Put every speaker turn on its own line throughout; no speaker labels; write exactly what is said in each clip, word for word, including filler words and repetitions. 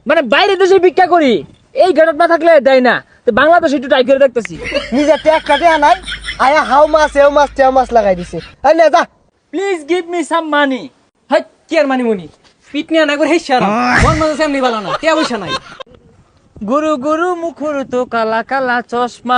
মানে বাইরে দেশে ভিক্ষা করি, এই গেটআপ না থাকলে দেয় না। তো বাংলাদেশে একটু ট্রাই করে দেখতেছি।
নিজে ট্যাগ কাটে আনাই আয়া হাউ মাছ এও মাছ তেও মাছ লাগাই দিছে। এই নে যা।
Please give me some money.
Hi কি আর মানি মনি পিট নিয়ে না করে হেসে আর মন মনে এমনি ভালো না কে পয়সা নাই।
গুরু গুরু মুখুর তো কালা কালা চশমা,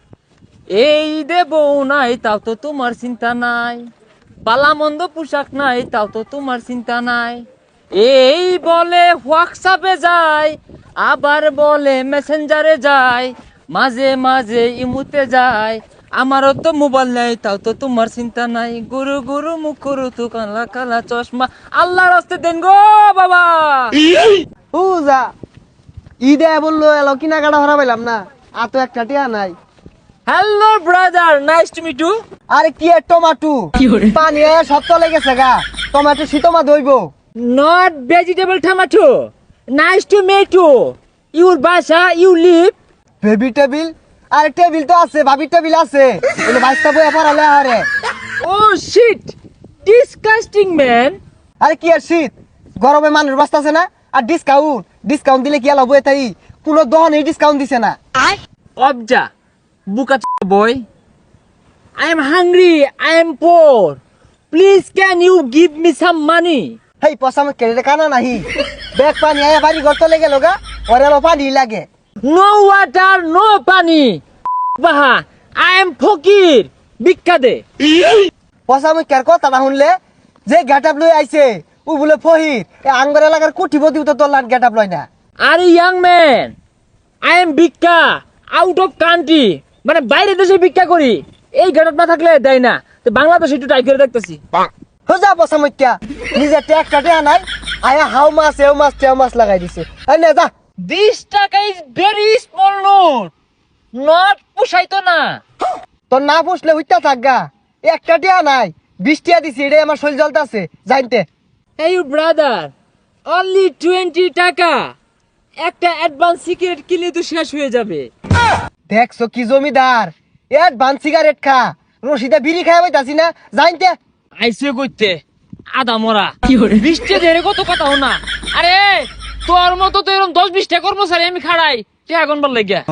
এই দেব নাই তাও তো তোমার চিন্তা নাই, বালা মন্দ পোশাক নাই তাও তো তোমার চিন্তা নাই, এই বলে হোয়াটসঅ্যাপে যায় আবার বলে মেসেঞ্জারে যায়, মাঝে মাঝে ইমুতে যায়, আমারও তো মোবাইল নেই তাও তো তোমার চিন্তা নাই, গুরু গুরু মুখুর তো কালা কালা চশমা। আল্লাহ রাস্তে দেন গো বাবা।
ও যা ঈদে বললো এলো কিনা কাটা হরা পাইলাম না, আর তো একটা টিয়া নাই।
Hello brother, nice to meet you.
আরে কি এর টমাটো পানি আয়া সব তলে গেছে গা, টমাটো শীতমা দইব।
Not vegetable tomato. Nice to meet you. Your Basha, you live.
Baby table আরে টেবিল তো আছে, ভাবি টেবিল আছে, এনে বাইশটা বই পড়ালে আরে।
Oh shit. Disgusting man.
আরে কি আর শীত গরমে মানুষ বাঁচতেছে না, আর ডিসকাউন্ট ডিসকাউন্ট দিলে কি আলো বই তাই কোনো দহনে ডিসকাউন্ট দিছে না।
Obja. Buka boy. I am hungry. I am poor. Please can you give me some money?
হেই পসামে কেড়ে কানা নাহি, ব্যাগ পানি আয়া বাড়ি ঘর তলে গেল গা, ওরে আলো পানি লাগে।
No water, no pani. Baha. I am fakir. Bikka de.
পসামে কের কথা না শুনলে যে গেটআপ লই আইছে ও বলে ফহির, এ আঙ্গর এলাকার কোটিপতি তো তোর লাট গেটআপ লয় না।
Are you young man? I am Bikka. Out of country. মানে বাইরে দেশে ভিক্ষা করি, এই গেটআপ না থাকলে দেয় না। তো বাংলাদেশে একটু ট্রাই করে দেখতেছি।
হোজা পসামইত্যা নিজে ট্যাগ কাটে আনাই আয়া হাউ মাছ এও মাছ তেও মাছ লাগাই দিছে। এই নে যা।
This টাকা is very small note. Not পুষাইতো না।
তোর না পুষলে উইতা থাকগা, একটা টিয়া নাই, বিশ টিয়া দিছি, এটাই আমার শরীর জ্বলতাছে জানতে।
Hey you brother, only twenty টাকা। একটা অ্যাডভান্স সিগারেট কিনলে তো শেষ হয়ে যাবে।
দেখছো কি জমিদার, অ্যাডভান্স সিগারেট খা, রশিদা বিড়ি খাই পাইতাছি না জানতে।
আইসে কইতে আদা মরা বৃষ্টি ধরে কত কথা না। আরে তোর মতো তো এরকম দশ বিশটা কর্মচারী আমি খাড়াই কে এখন বল লাগিয়া।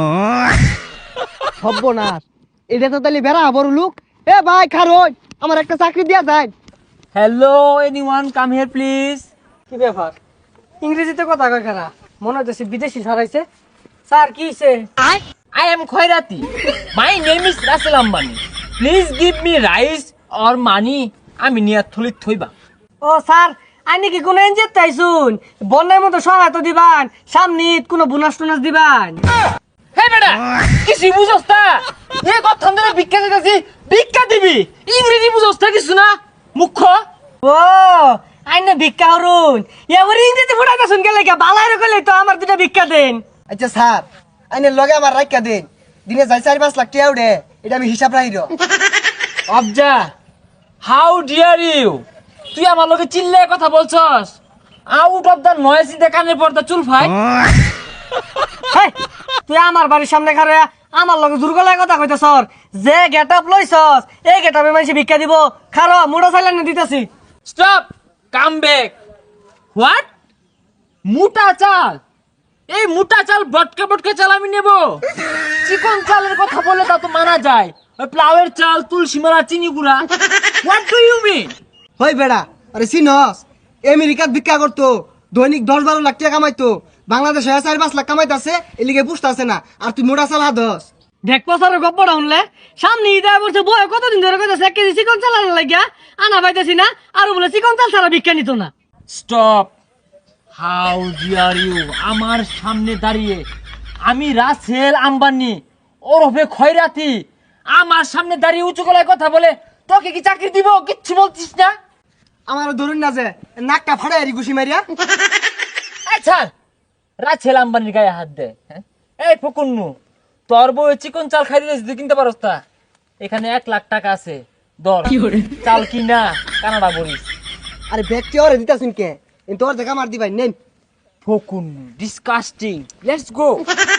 সর্বনাশ, এটা তো তাহলে বেড়া বড় লোক। এ ভাই খারোই আমার একটা চাকরি দিয়া যায়।
Hello anyone come here please.
কি ব্যাপার ইংরেজিতে কথা কয় খারা মনে হচ্ছে বিদেশি ছাড়াইছে। স্যার কি হইছে?
I am Khairati. My name is Russell Ambani. Please give me rice or money. আমি নিয়া থলিত থইবা।
ও স্যার আইনি কি কোনো এনজিও তাইছুন বন্যার মতো সহায়তা দিবান, সামনে ঈদ কোনো বোনাস টোনাস দিবান?
হে বেটা কিছু বুঝছ না? এ কথা ধরে ভিক্ষা দিতেছি, ভিক্ষা দিবি ইংরেজি বুঝছ না কিছু না মুখ্য।
ও আইনে ভিক্ষা হরুন এবার ইংরেজি ফুটাতে শুন গেলে কে বালাইরে কইলে তো আমার দুটা ভিক্ষা দেন।
আচ্ছা স্যার আইনের লগে আমার রাখা দেন, দিনে যাই চারি পাঁচ লাখ টিয়া উঠে, এটা আমি হিসাব রাখির।
অবজা হাউ ডিয়ার ইউ, তুই আমার লগে চিল্লে কথা বলছস? Out of the noise in the কানের পর্দা চুল ভাই।
হেই, তুই আমার বাড়ির সামনে খারে আমার লগে জোর গলায় কথা কইতেছস, যে গেটআপ লইছস এই গেটআপে মানুষ ভিক্ষা দিব, খারো মুড়া চাইলেন দিতেছি।
Stop, come back. হোয়াট? মোটা চাল? এই মোটা চাল বটকা বটকা চাল আমি নেব? চিকন চালের কথা বলে তা তো মানা যায়, ওই প্লাউয়ের চাল, তুলসী মালা, চিনি গুঁড়া। What do you mean?
হই বেড়া, আরে চিনস আমেরিকাত ভিক্ষা করতো, দৈনিক দশ বারো লাখ টাকা কামাইতো, বাংলাদেশে চারি পাঁচ লাখ কামাইতাছে, এলিগে বুঝতাছে না, আর তুই মোটা চাল হাদস।
দেখ পসারের গপ্পটা শুনলে সামনে ঈদ আয় বলছে বয় কতদিন ধরে কইতাছে এক কেজি চিকন চাল আনা লাগিয়া আনা পাইতেছি না, আর বলে চিকন চাল ছাড়া ভিক্ষা নিত না।
স্টপ, হাউ ডিয়ার ইউ, আমার সামনে দাঁড়িয়ে আমি রাসেল আম্বানি ওরফে খয়রাতি আমার সামনে দাঁড়িয়ে উঁচু গলায় কথা বলে তোকে কি চাকরি দিব? কিচ্ছু বলছিস না।
আমার ধরুন না যে নাকটা ফাড়াই আরি ঘুষি মারিয়া।
আচ্ছা রাসেল আম্বানির গায়ে হাত দে। হ্যাঁ? এই ফকুন্নু, তোর বউ চিকন চাল খাই দিয়েছিস, তুই কিনতে পারস তা? এখানে এক লাখ টাকা আছে, দর চাল কিনা কানাডা বলিস।
আরে ব্যক্তি ওরে দিতাছিন কে, তোর দেখা মার দিবাই নেন।
ফকুন্নু ডিসকাস্টিং, লেটস গো।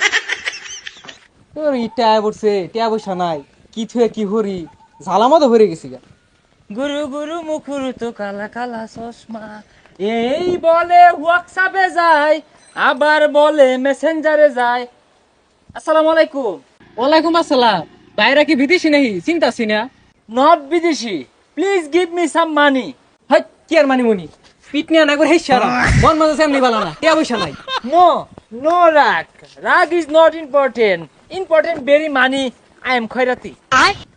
তোর ইটা পড়ছে টিয়া পয়সা নাই, কি থুয়ে কি হরি ঝালামতো ভরে গেছি গা।
গুরু গুরু মুখুর তো কালা কালা চশমা, এই বলে হোয়াটসঅ্যাপে যায় আবার বলে মেসেঞ্জারে যায়। আসসালামু আলাইকুম।
ওয়ালাইকুম আসসালাম। বাইরে কি বিদেশি নাহি চিন্তাছি না?
নট বিদেশি, please give me some money.
Hi কি আর মানি মুনি পিটনি না করে হেই সারা মন মজা সেমনি বালা না কে পয়সা নাই।
নো নো রাগ, রাগ is not important, important very money. I am খয়রাতি।